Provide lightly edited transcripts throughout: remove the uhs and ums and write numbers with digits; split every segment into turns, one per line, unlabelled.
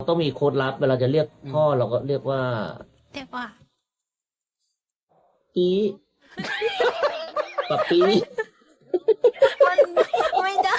ต้องมีโค้ดลับเวลาจะเรียกพ่อเราก็เรียกว่า
เรียกว่า
ปีปะปี
มันไม่ได้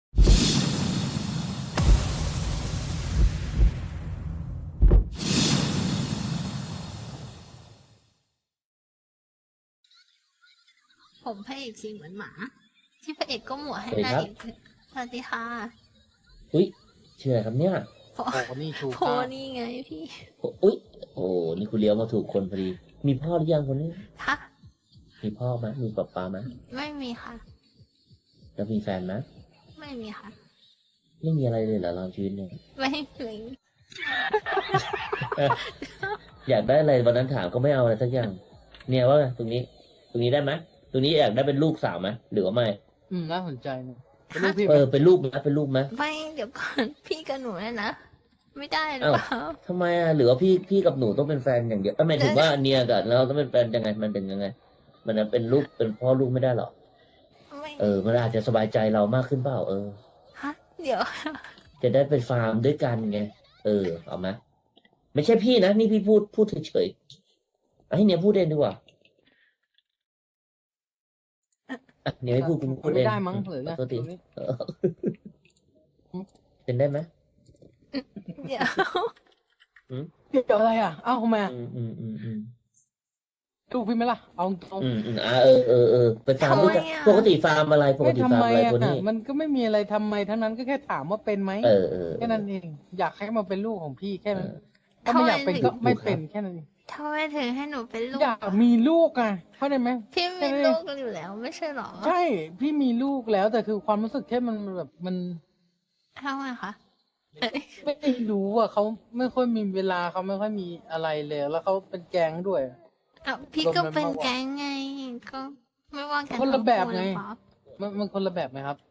ผมพระเอกสีเหมือนหมา ที่พระเอกก็หมวให้นางเอกสวัสดีค่ะ
อุ้ยชื่ออะไรครับเนี่ย
โพ
โอ้นี่ชู
โพ
ก้า
นี่ไงพี่
อุ้ยโอ้นี่คุณเลี้ยวมาถูกคนพอดี มีพ่อหรือยังคนนี้
ฮะ
มีพ่อไหมมีป๊าป๊าไหม
ไม่มีค่ะ
แล้วมีแฟนไหม
ไม่มีค่ะ
ไม่มีอะไรเลยเหรอเราชีวิตเนี่ย
ไม่มี
อยากได้อะไรวันนั้นถามก็ไม่เอาอะไรสักอย่าง เนี่ยว่าไงตรงนี้ได้ไหมตรงนี้อยากได้เป็นลูกสาวไหมหรือว่าไม่
น่าสนใจนะเป็นลูกพี่ไหม
เป็นลูกไหมเป็นลูกไหม
ไม่เดี๋ยวก่อนพี่กับหนูเนี่ยนะ ไม่ได้หรือเปล่า
ทำไมอ่ะหรือว่าพี่กับหนูต้องเป็นแฟนอย่างเดียวหมายถึงว่าเนียกับเราต้องเป็นแฟนยังไงมันเป็นยังไง มันเป็นลูกเป็นพ่อลูกไม่ได้หรอ
ไม่
มันอาจจะสบายใจเรามากขึ้นเปล่า
ฮะเดี๋ยว
จะได้เป็นฟาร์มด้วยกันไงเอาไหมไม่ใช่พี่นะนี่พี่พูดเฉยๆให้เนี่ยพูดเองดีกว่าเนี่ยให้พูดคุณพูดเอง
ไม่ได้มั้งหรือไง
ขอโทษที
ตรงนี้
เป็นได้ไหม
เดี๋ยว
เกี่ยวอะไรอ่ะเอ้าทำไมอ่ะ
อืม
ลูกพี่ไหมล่ะเอาตรง
เป็นฟาร์มด้วยกันปกติฟาร์มอะไรปก
ไม่
ติ
ทำ
ฟาร์ม
ไม
อะไร
อ่ะ
คนนี้
มันก็ไม่มีอะไรทำไมทั้งนั้นก็แค่ถามว่าเป็นไหม
เออ
แค่นั้นเองอยากให้มาเป็นลูกของพี่แค่นั้น
เออ
ถ้าไม่อยากเป็นก็ไม่เป็นแค่นั้นเอง
ทำไมถึงให้หนูเป็นลูก
อยากมีลูกอ่ะเข้าใจไหม
พี่มีลูกอยู่แล้วไม่ใช่หรอ
ใช่พี่มีลูกแล้วแต่คือความรู้สึกแค่มันแบบมัน
ทำไมคะ
ไม่รู้อ่ะเขาไม่ค่อยมีเวลาเขาไม่ค่อยมีอะไรเลยแล้วเขาเป็นแก๊งด้วย
อ้าวพี่ก็เป็นแก๊งไง ก็ไม่ว่ากัน
คนละแบบไง
ทั้คู่หรือเปล่า
มันคนละแบบไหมครับ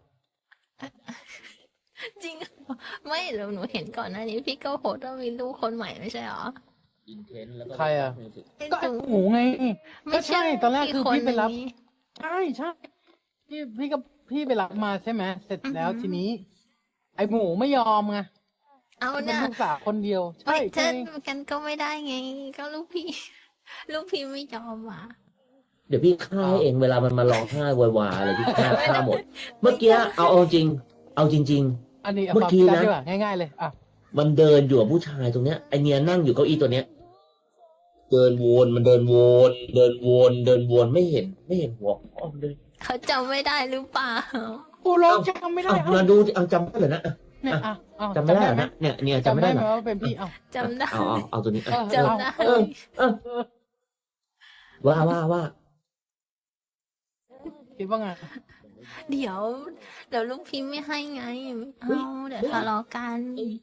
จริงเหรอไม่เดี๋ยวหนูเห็นก่อนหน้านี้ พี่ก็โพสต์ว่ามีลูกคนใหม่ไม่ใช่หรอ
อินเทนแล้วก็
ใครอะ
ไอ้
ก็ไอ้
หนู
หมูไง
ไม่
ก็ใช่ตอนแรกคือพี่ไปรับ
นี้
ใช่พี่ไปรับมาใช่ไหมเสร็จแล้วทีนี้ ไอ้หมูไม่ยอมไง
เอา
เป็น
เนี่ย
ลูกสาวคนเดียว
ไม่
ใช่
เจอกันก็ไม่ได้ไง ก็ลูกพี่ ลูกพี่ไม่ยอมอ่ะ
เดี๋ยวพี่ฆ่าให้เองเวลามันมาร้องไห้วายๆอะไรพี่ฆ่าหมด เมื่อกี้เอาจริง
อันนี้
เมื่อกี้นะ
ดีกว่าง่ายๆเลยอ่ะ
มันเดินอยู่กับผู้ชายตรงเนี้ยไอเนียนั่งอยู่เก้าอี้ตัวเนี้ย เดินวนมันเดินวนไม่เห็นหัวอ้อมเลย
เขาจำไม่ได้หรือเปล่า
โอ้ร้องจำไม่ได้
มาดูเอาจำได้เหรอนะ
เนี่ยอ่ะ
จำไม่ได้เหรอนะเนี่ยจำไม่ได้
ไห
เหร
ม
อ
ว่าเป็นพี่เอ้า
จำได้
เอาตัวนี้
จำได้
ว่า
คิดว่าไง
เดี๋ยวลูกพี่ไม่ให้ไงเอาเดี๋ยวทะเลาะกัน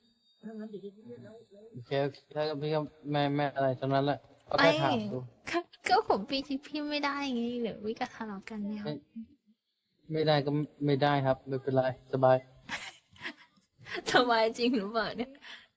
โอเคถ้าพี่ก็ไม่อะไรทั้งนั้นแหละก็แค่ถามดู
ก็ผมพี่ไม่ได้ไงเดี๋ยววิก็ทะเลาะกันเนี่ย
ไม่ได้ก็ไม่ได้ครับไม่เป็นไรสบาย
สบายจริงหรือเปล่าเนี่ย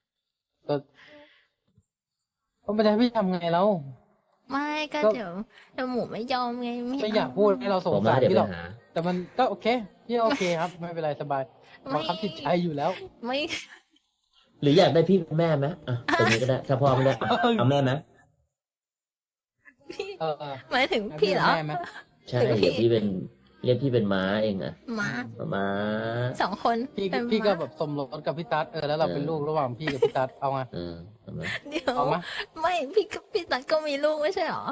ก็ไม่ได้พี่ทำไงแล้ว
ไม่ก็
ก็
เดี๋ยวหมูไม่ยอมไง
ไม่อยากพูดให้เราสง
ผม
สาร
เดี๋ยว
พี่
ไป
หรอก
หา
แต่มันก็โอเคพี่โอเคครับ ไม่เป็นไรสบายบังคับจิตใจอยู่แล้ว
ไม่
หรืออยากได้พี่เป็นแม่ไหมตรงนี้ก็ได้ถ้าพ่อไม่ได้เอาแม่ไหม
พี่
เออ
หมายถึงพี่เหรอ
แม่ไหม
ใช่เดี๋ยวพี่เป็นเรียกพี่เป็นม้าเองอะ
หมา
ม้า
2 คน
พี่
เป็น
พี่ก็
ม้า
แบบสมรสกับพี่ตั๊ดแล้วเราเป็นลูกระหว่างพี่กับพี่ตั๊ดเอาไง
เอาไหม
เดี๋ยว
เอาไหม
ไม่พี่ตั๊กก็มีลูกไม่ใช่เหรอ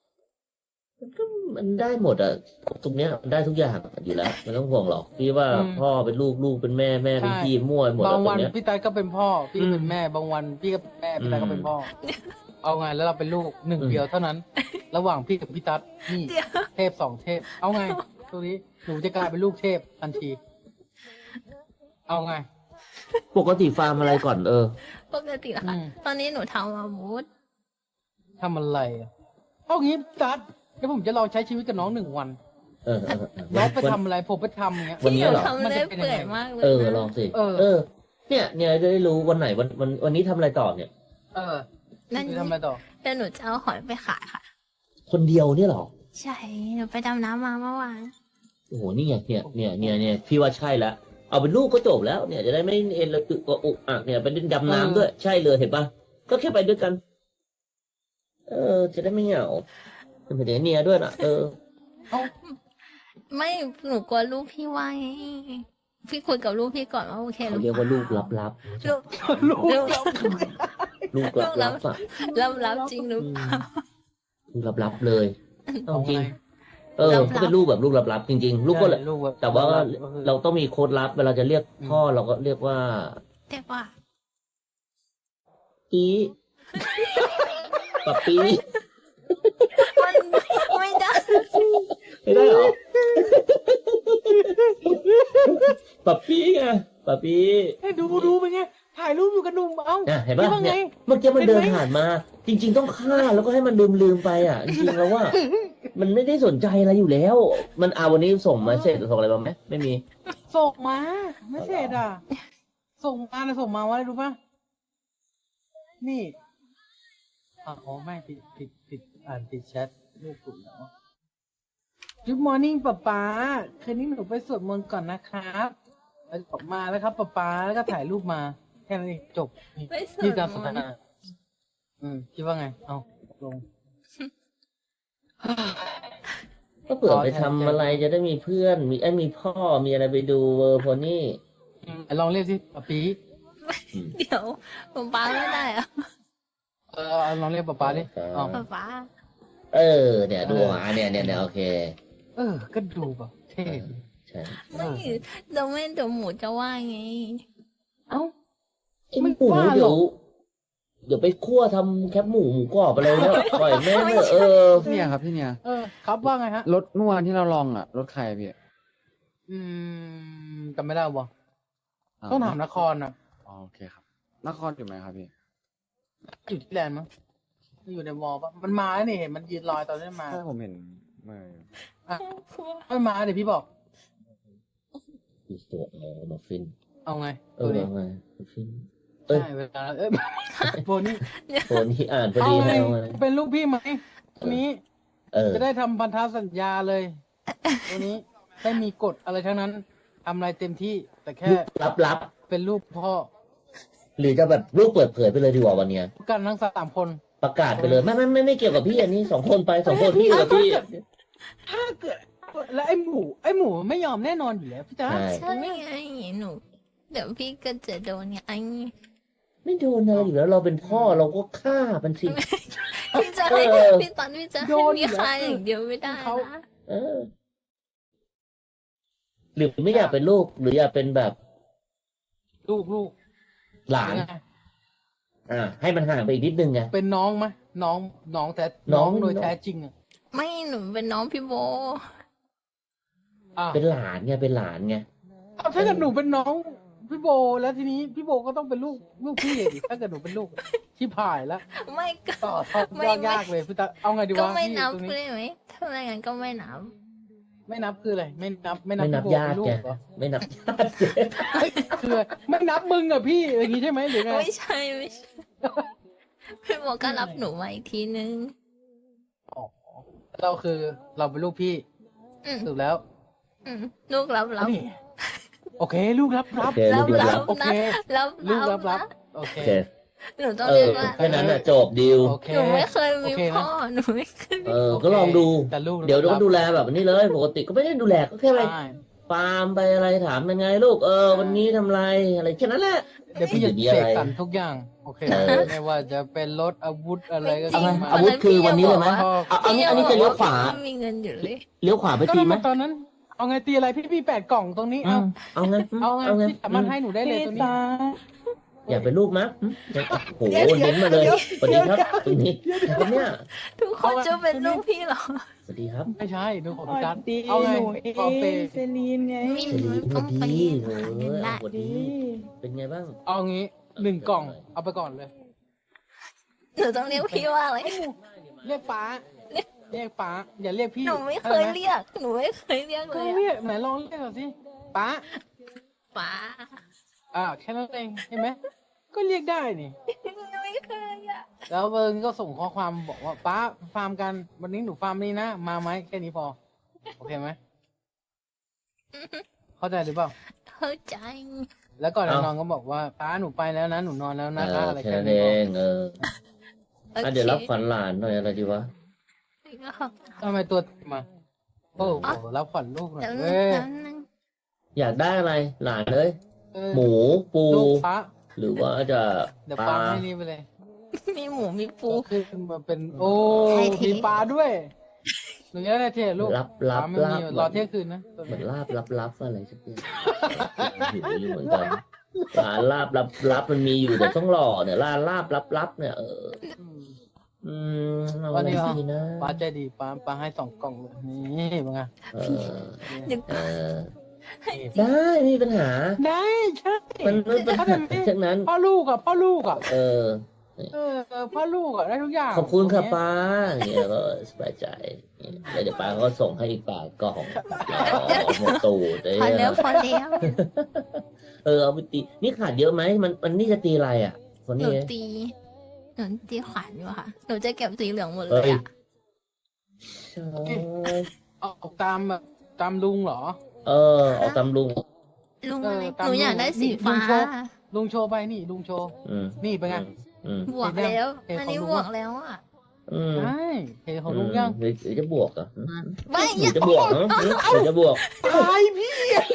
มันได้หมดอะตรงเนี้ยมันได้ทุกอย่างอยู่แล้วไม่ต้องห่วงหรอกพี่ว่าพ่อเป็นลูกเป็นแม่เป็นพี่มั่วหมด
บาง
ตร
วัน
งเนี้ย
พี่ตั๊ดก็เป็นพ่อพี่ก็เป็นแม่บางวันพี่ก็เป็นแม่พี่ตั๊ดก็เป็นพ่อเอาไงแล้วเราเป็นลูกหนึ่งเดียวเท่านั้น ระหว่างพี่กับพี่ตั๊ดนี่
เดี๋ยว
เทพ2 เทพ เอาไงตัวนี้หนูจะกลายเป็นลูกเทพทันที เอาไง
ปกติฟาร์มอะไรก่อน
ปกติเหรอคะตอนนี้หนูทำมามูด
ทำอะไรอ่ะเอางี้ตั๊ดเดี๋ยวผมจะลองใช้ชีวิตกับน้อง1 วัน น้องไปทำอะไรผมไปทำอย่างเงี้ย
วันนี้เหรอ
ทำเลยเปื่อยมากเลยนะ
ลองสิ
เออ
เนี่ยจะได้รู้วันไหนวันนี้ทำอะไรต่อเนี่ย
เออ
นั่น
จะทำอะไรต่อ
เดี๋ยวหนูจะเอาหอยไปขายค่ะ
คนเดียวเนี่ยเหรอ
ใช่ หนูไปดำน้ำมาเมื่อวาน
โอ้โหนี่ไงเนี่ยพี่ว่าใช่แล้วเอาเป็นลูกก็จบแล้วเนี่ยจะได้ไม่เอ็นระอึกกระอุกอักเนี่ยไปเล่นดำน้ำด้วยใช่เลยเห็นปะก็แค่ไปด้วยกัน จะได้ไม่เหงาเป็นเดี๋ยวเนียด้วยนะ
เอ้า
ไม่หนูกลัวลูกพี่ว่าไงพี่คุยกับลูกพี่ก่อนว่าโอเคห
เขา
รือ
เรียก
เป
ว่า
ล่า
ลูกลับ
ลูก
ลูก
ลูก
ลูกลับอ่ะ
รับจริงหรือเปล่า
ลูกลับเลยเอาจริง
ไง
ก็เป็นลูกแบบลูกลับจริงๆ ลูกก็
ใช่ลูกบบ
แต่ว่า
ก็คือ
เราต้องมีโค้ดลับเวลาจะเรียกพ่อเราก็เรียกว่า
เรียกว่า
ปีปับปี
มันไม่ได้
ไม่ได้เหรอปับปีไงปับปี
ให้ดูเป็นไงถ่ายรูปอยู่กับหนุ่มเอ้า
เห็นปะ
คิดว่าไง
เนี่ยเมื่อกี้มัน
เห็นไหม
เดินผ่านมา จริง ๆ ต้องฆ่าแล้วก็ให้มันลืมไปอ่ะจริงๆแล้วว่า มันไม่ได้สนใจอะไรอยู่แล้ว มันเอาวันนี้ส่งมาเสร็จส่งอะไรมาไหมไม่มี
ส่งมาไม่เสร็จอ่ะ ส่งมาว่าอะไรรู้ป่ะนี่อ๋อไม่ผิดอ่านผิดแชทลูกคุณแล้ว Good morning ป๊าคืนนี้หนูไปสวดมนต์ก่อนนะครับแล้วออกมาแล้วครับป๊าแล้วก็ถ่ายรูปมาแค่นั้นเองจบ
ไม่สน
นี่การสนทนาคิดว่าไงเอาลง
ก็เผื่อไปทำอะไรจะได้มีเพื่อนมีพ่อมีอะไรไปดูเวอร์โพนี่
ลองเรียกสิป๊าปี
เดี๋ยวป๊าไม่ได้อะ
ลองเรียกป๊าดิอ๋อ
ป๊า
เนี่ยดูหมาเนี่ยโอเค
ก็ดูแบบเท่ดี
ใช่
ไม่เดี๋ยวหมูจะว่าไง
เอ้า
ไอ้หมูเดี๋ยวไปคั่วทำแคบหมูกรอบอะไรแล้วปล่อยแม่งเถอะ
พี่เนี่ยครับพี่เนี่ย
ครับว่าไงฮะ
รถเมื่อวานที่เราลองอ่ะรถใครอะพี่
จำไม่ได้บ่ต้องถามนครนะ
อ๋อโอเคครับนครอยู่ไหมครับพี่
อยู่ที่แลนด์มั้งอยู่ในวอลปะมันมาแล้วนี่เห็นมันยืนลอยตอนนี้มา
ใช่ผมเห็นเมื่อ
ไม่มาเดี๋ยวพี่บอก
อีกตัวมาฟิน
เอาไงตัวนี้
ไงมาฟิน
ใช่เวลาโฟนี่
โฟนี่อ่านพอ
เอา
ดี
ไง
แล้วไง
เป็นลูกพี่ไหมตัวนี้ จะ
ได้
ได้ทำพันธสัญญาเลยตัวนี้ไม่มีกฎอะไรทั้งนั้นทำอะไรเต็มที่ แต่แค่
ลับ
เป็นลูกพ่อ
หรือจะแบบลูกเปิดเผยไปเลยดีกว่าวันเนี้ย
กันทั้ง3 คน
ประกาศไปเลยไม่เกี่ยวกับพี่อันนี้2 คนไป2 คนพี่กับพี่
ถ้าเกิดแล้วไอ้หมูไม่ยอมแน่นอนอยู่แล้วพี่จ๊ะ
ใช่
ใช่ไงหนูเดี๋ยวพี่ก็จะโดนไง
ไม่โดนอะไรอยู่แล้วเราเป็นพ่อเราก็ฆ่ามันสิ
พี่จะให้พี่ตอนพี่จะให้มีใครอย่างเดียวไม่ได้นะ
หรือไม่อยากเป็นลูกหรืออยากเป็นแบบ
ลูก
หลาน ให้มันห่างไปอีกนิดนึงไง
เป็นน้องไหมน้องแต่
น้
น้
อ
อง งโดยแท้จริงอ่ะ
ไม่หนูเป็นน้องพี่โบ
เป็นหลานไงเป็นหลานไง
ถ้าเกิดหนูเป็นน้องพี่โบแล้วทีนี้พี่โบก็ต้องเป็นลูกพี่ดิถ้าเกิดหนูเป็นลูกที่ผ่ายแล้ว
ไม่ก็
ต่อทอดยากเลยพี่ตาเอาไงดี
ก็
วะ
ไม่
พี่
นับ
ตรงนี้
เลยไหมถ้าไม่งั้นก็ไม่นับ
ไม่นับคืออะไรไม่นับ
ไม่นับ
พี่โบ
ญา
เป็
ติ
นลู
แก
กเหรอ
ไม่นับญาติ
คือไม่นับมึงอะพี่อย่างงี้ใช่ไหมหรือไง
ไม่ใช่พี่โบก็รับหนูมาอีกทีนึง
เราคือเราเป็นลูกพี่
อืม
ถูกแล้ว
ลูกรับ
นี่โอเค ลูกรับ
โอเคลูกรับ
โอเค
รับ
ลูกรับ
นะ
โอเค
โอเค
หนูต้องเรียกว่า
แค่นั้นน่ะจบดิว
โอเค
หนูไม่เคยมี
โอเคนะ
พ่อหนูไม่เคยมี
ก็ลองดู
แต่ลูก
เดี๋ยว
รับ
ต้องดูแลแบบนี้เลย ปกติก็ไม่ได้ดูแลก็แค่ไป
ใช่
ฟาร์มไปอะไรถามยังไงลูกวันนี้ทำอะไรอะไรแค่นั้นแหละ
เดี๋ยวพี่จะ
ไม่มี
เส
อะไร
กสรรทุกอย่าง โอเค ไม่ว่าจะเป็นรถอาวุธอะไรก็
จริง
มา
อาวุธคือวันนี้เลยไหม
พ่อ
อันนี้จะเลี้ยวขวา
ไม่มีเงินอยู่เลย
เลี้ยวขวาไป
ก็
ทีไหม
ตอนนั้น เอาไงตีอะไรพี่8 กล่องตรงนี้
เอาไง
เอาไงพี่สามารถให้หนูได้เลยตรงนี้
อยากเป็นลูกมั้ยโอ้โหเน้นมาเลยสวัสดีครับตรงนี้ครับเนี่ย
ทุกคนจะเป็นลูกพี่เหรอ
สวัสดีครับ
ไม่ใช่ดูของพี่จัด
ดี
เอาไง
หนูเอ
ขอเป
งเซรีนไง
ไม่
สวัสดี
ต้องไป
สวัสดี
หาเงินได้
สวัสดีเป็นไงบ้าง
เอางี้1 กล่อง เอาไปก่อนเลย
หนูต้องเรียกพี่ว่าอะไร
เรียกป้าเรียกป้าอย่าเรียกพี่
หนูไม่เคยเรียก หนูไม่เคยเรียกเล
ก็
ย
เรียกไหนลองเรียกหน่อยสิป้า
ป๋า
แค่นั้นเองเห็นไหมก็เรียกได้นี่
หนูไม่เคยอ่ะ
แล้วเบิร์นก็ส่งข้อความบอกว่าป้าฟาร์มกันวันนี้หนูฟาร์มนี่นะมาไหมแค่นี้พอโอเคไหมเข้าใจหรือเปล่า
เข้เข้าใจ
แล้วก่อนจะ
เอ้า
นอนก็บอกว่าป้าหนูไปแล้วนะหนูนอนแล้วนะอะไร
แค่
แค่
นั้น
นี้
เอ
พอ
งอ่ะเดี๋ยวรับขวัญหลานหน่อยอะไรดีวะ
ทำไมตัวมาโอ้โหรับขวัญลูกหน่อย
เดี๋ยว
เว้ย
นึง
อยากได้อะไรหลานเลย
เออ
หมูปู
ลูกป้า
หรือว่าจะ
เดี๋ยว
ป
ปลา
ลา
ให้นี่ไปเลย
มีหมูมีปู
ขึ้นมาเป็นโอ้
ไทยเท
มีปลาด้วยหนูจะได้เท่ลูก
รับ
ปลาไม่มี
รับ
รอเที่ยงคืนนะ
เหมือนลาบรับอะไรสักอย่างหิวอยู่เหมือนกันร้านลาบรับมันมีอยู่แต่ต้องรอเนี่ยร้านลาบรับเนี่ย
อืม
อืมเอาอะไรดีนะ
ปลาใจดีปลาให้2 กล่องเลยนี่เป็นไง
เออ
เดี๋ยว
เออได้ไม่มีปัญหา
ได้ใช่
มันไม่เป็นปัญหาทั้งนั้น
พ่อลูกอ่ะ
เออ
พ่อลูกอ่ะได้ทุกอย่าง
ขอบคุณค่ะป้าอย่างเงี้ยก็สบายใจแล้วเดี๋ยวป้าก็ส่งให้อีก8 กล่องหมดตูดเลย
พอแล้วพอแล้ว
เอาไปตีนี่ขาดเยอะไหมมันนี่จะตีอะไรอ่ะ คน
หนู
นี้
ตีขวัญอยู่ค่ะหนูจะเก็บสีเหลืองหมดเล
เอ้
ย
ย
อะ
ใช่
ออกตามแบบตามลุงเหรอ
เอาตำลุง
ลุงอะไร
ตาม
หนูอยากได้สี
ลุ
ฟ้า
งโชว์ ลุงโชว์ไปนี่ลุงโชว์
อืม
นี่เป็นไง
อืม
บวกแล้ว
เห็นของ
อันนี้
ลุง
บว
อะ
กแล้วอ่ะ
อืม
ใช่เห็นของลุงยัง
หรือจะบวกอ่ะ
ไม่
หรือจะบวกเนาะหรือจะบวก
ตายพี่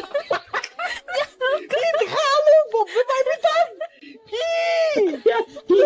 พี่จะฆ่าลูกผมทำไมพี่ตั้มพี่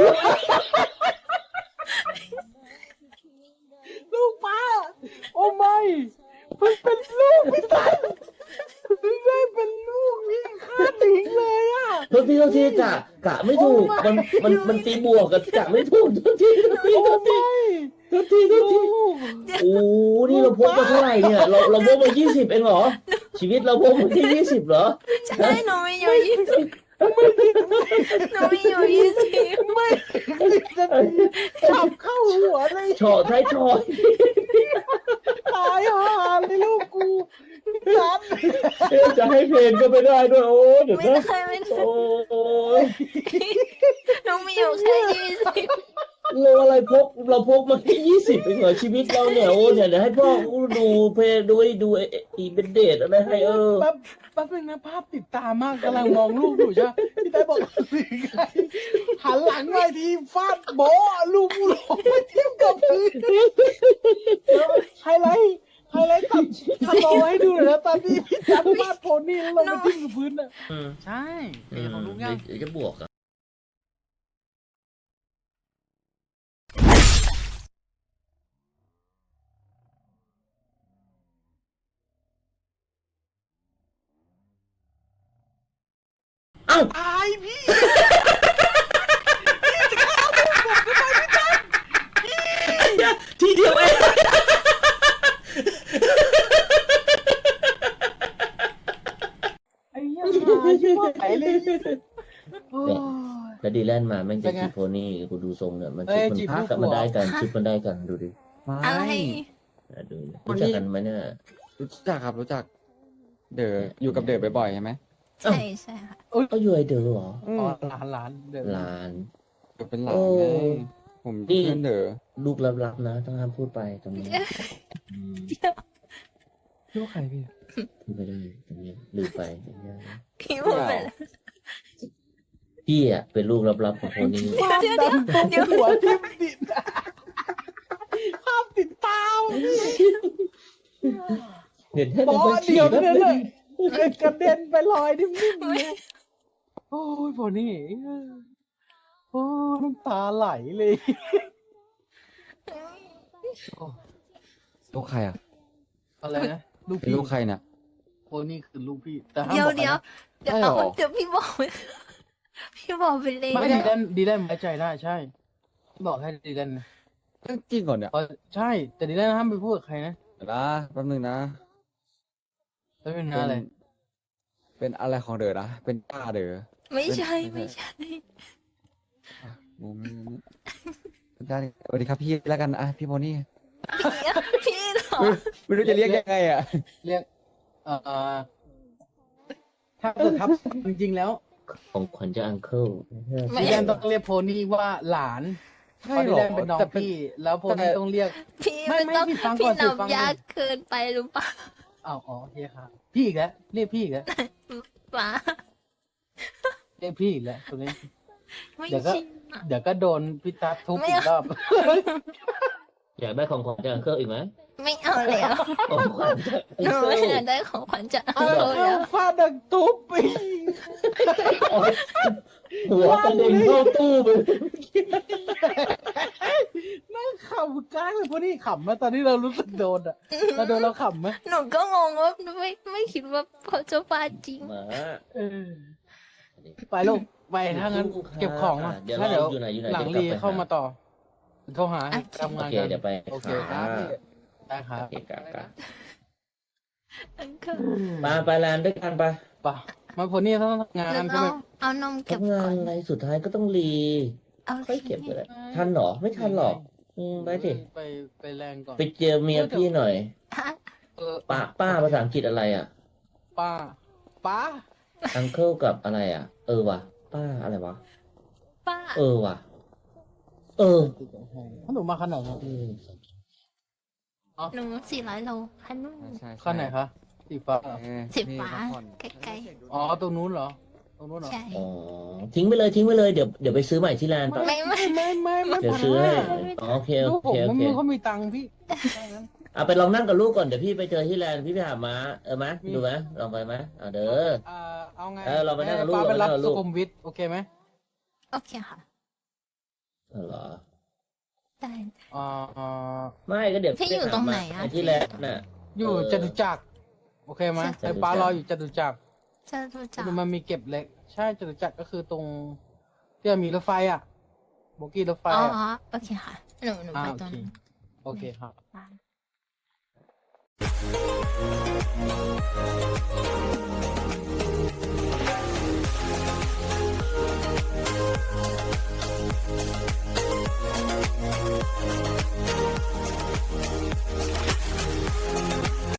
ลูกป้าโอ้ไม่เพิ่งเป็นลูกพี่ตั้มเพิ่งได้เป็นลูกพี่ฆ่าทิ้งเลยอ่ะ
โทษทีกะไม่ถูก มันตีบวกกับกะไม่ถูกโทษที
โอ้ไม่
ลูก
ลูก
โอ้นี่เราพกมาเท่าไหร่เนี่ย เราพกมา20เองเหรอ ชีวิตเราพกมาแค่20เหรอ
ใช่หนูไม่อยู่20หนูไม่อยู่20
ไม่จะจับเข้าหัวเลย
ชอท้ายชอย
ตายห่าเลยลูกกูจัด
จะให้เพลงก็ไม่ได้ด้วยโอ้เดี๋ยว
ไม่
นะ
ได้ไม่ได้
โอ้ย
หนูมีอยู่แค่20
เราอะไรเราพกมาแค่20เองเหรอชีวิตเราเนี่ยโอ้เนี่ยเดี๋ยวให้พ่อดูเพลงดูอีเป็นเดทอะไรให้
แป๊บนึงนะภาพติดตามากกำลังมองลูกอยู่ใช่ไหมพี่ได้บอกหันหลังหน่อยทีฟาดโบะลูกกูหลงไปทิ่มกับพื้นแล้วไฮไลท์ตัดสโลว์ให้ดูหน่อยนะตอนที่พี่จับฟาดโพนี่แล้วลงไปทิ่มกับพื้นน่ะใช่เอ๋ของลูกยัง
เดี๋ยวจะบวกอ่ะเอ้า
ตายพี่
ทีเดียวเอง
ไอ้เหี้ยมาชิบหายเลยโอ้ย
แล้วดีแลนด์มาแม่ง
เป็
จะ
นไง
จีบโพนี่กูดูทรงเนี่ยมัน
เอ้
ชุด
ย
มัน
จีบ
พัก
ลูก
มันได้กัน
หัว
ชุดมันได้กันดูดิ
อะไร
ดูรู้จักกันไหมเนี่ย
รู้จักครับรู้จัก เด๋ออยู่กับเด๋อบ่อยๆใช่ไหม
ใช่ใช่ค่ะ
ก็อยู่ไอเดอเหรอ
อ๋อหลานเดี๋ยว
หลาน
เด๋อเป็นหลาน
โอ้
ไงผม
นี่
เพื่อนเด๋อ
ลูกลับๆนะต้องห้ามพูดไปตรงนี้อืม
ลูกใครพี่
พูดไปเลยตรงนี้ลืมไปอย่างเงี้ย
พี่พูดไปแล้ว
พี่อ่ะเป็นลูกลับๆของโพนี่
ความดำตรงหัวทิ่มติดภาพติดตาม
เห็นแค่
บ
ใน
อ
บัญชี
เดียว
แล้
เท่าว นั้นเลยกระเด็นไปลอยนิ่มๆเลยโอ้ยพอนี่โอ้น้ำตาไหลเลย
ลูกใครอ่ะ
อะไรนะลูก
เป็น
พี่
ลูกใครเนี่ย
โอ้นี่คือลูกพี่แต่ห้าม
เดี๋ยว
บอกใคร
เดี๋ยว
นะ
เดี๋ยว
ใช่เหรอ
เดี๋ยวพี่บอก พี่บอกไปเลย
ไม่ดีแลนไว้ใจได้ใช่ บอกให้ดีแลนนะ
เรื่องจริงก่อนเนี่ย
ใช่ แต่ดีแลนห้ามไปพูดกับใครนะ
เดี๋ยวนะแป๊บนึงนะ
แล้วเป็นอะไร
เป็นอะไรของเด๋อนะเป็นป้าเด๋อ
ไม่ใช่ไม่ใช่
งงเป็นได้สวัสดีครับพี่แล้วกันอ่ะพี่โพนี่
พี่เหรอ
ไม่รู้จะเรียกยังไงอ่ะ
เรียกถ้าเกิดครับจริงๆแล้ว
ของขวัญจากอังเคิล
ดีแลนต้องเรียกโพนี่ว่าหลานเพ
ใช่
ราะ
เห
ดี
รอ
แลนเป็นน้อง
แต่เป็น
พี่ แล้วโพนี่ต้องเรียก
พี่
ไม่
ไม่ต้อง
พี่ฟังก่
พี่
อนสิฟัง
นำยากเกินไปหรือเปล่า
อ๋อโอเคครับพี่อีกแล้วเรียกพี่อีกแล้ว
ป๋า
เรียกพี่อีกแล้วตัวนี้
ไม่
เดี๋ยวก็
ชินอะ
เดี๋ยวก็โดนพี่ตั๊ดทุบ
ไม่
อีก
เอา
รอบ
อยากได้ของจากอังเคิลอีกไหม
ไม่เอาแล้ว
ของขวัญจากอัง
หนู
เคิ
ไม่
ล
อยากได้ของขวัญจากอั
เอา
งเคิล
เอา
แล้ว
ฟาดดังทุบอีก
หัวกระเด็นเข้าตู้ไป
นั่งขำก้างเลยพวกนี้ขำไหมตอนนี้เรารู้สึกโดนอ่ะเราโดนเราขำไหม
หนูก็งงว่าไม่คิดว่าเขาจะฟาดจริง
หมา
เออไปลูกไปถ้างั้นเก็บของมา
เดี๋ยว
ถ้า
เรา
เดี๋ยว
อยู่ไหนอยู่ไหน
หลัง
ดี๋ยว
รี
กบไป
เข้ามาต่อเขาหา
โอเค
ทำาน
โองเค
กัน
เดี๋ยวไป
โอเคครับพี่ได้ครับ
โอเคกะ
อังเคิล
ไปแลนด์ด้วยกันไป
ป่ะมาพวกนี้ต้องทำงาน
แล้ว
ใช่ไหม
เอานมเก็บ
ทำงา
ก่
น
อน
อะไรสุดท้ายก็ต้องรี
เอา
ค่อยเก็บก็ได้ทันเหรอไม่ทันหรอกไปดิ
ไปแรงก่อน
ไปเจอเมียพี่หน่อย
ฮะ
เออ
ป้าภาษาอังกฤษอะไรอ่ะ
ป้า
อังเคิลกับอะไรอ่ะ ว่ะ ป้าอะไรวะ
ป้า
ว่ะ เออ
ถ้าหนูมาขนาดไหน
อืม
หนู400 โลคันนู้น
ใช่
ขั้นไหนคะสีฟ้าเหรอ
สีฟ้า
นี่พักผ่อน
ไกล
อ๋อตรงนู้นเหรอตรงนู้นเหรอ
ใช่
อ๋อทิ้งไปเลยเดี๋ยวไปซื้อใหม่ที่แลนด์
ไม่ไม่
ไม่
เดี๋ยวซื้อให้อ๋อโอเคโอ
ลูกผ
เค
ม
โอ
มัน
เค
ไม่เขามีตังค์พี่
เอาไปลองนั่งกับลูกก่อนเดี๋ยวพี่ไปเจอที่แลนด์พี่ไปหาม้าไหม
มี
ดูไหมลองไปไหมเด้อ
เอาไง
เราไปนั่งกับลูก
ป้าไปรับ
เราไปนั่งกับลู
สุ
ก
ขุมวิทโอเคไหม
โอเคค่ะ
เหรอ
ได้
อ่า
ไม่ก็เดี๋ยว
ที่อยู่ตรงไหนอะ
ปที่แลนด์น่ะ
อยู่จตุจักรโอเคไหม
จตุจักร
ไอ้ป้ารออยู่จตุจักร
จะรู้จัก
มันมีเก็บเหล็ก ใช่จตุจักรก็คือตรงที่มันมีรถไฟอ่ะโบกี้รถไฟ
อ๋อ
อ่ะ
โอเคค่ะ หนู
อ่า
ไป
โอ
ตรง
เค
นั้น
โอเคครับ
ได้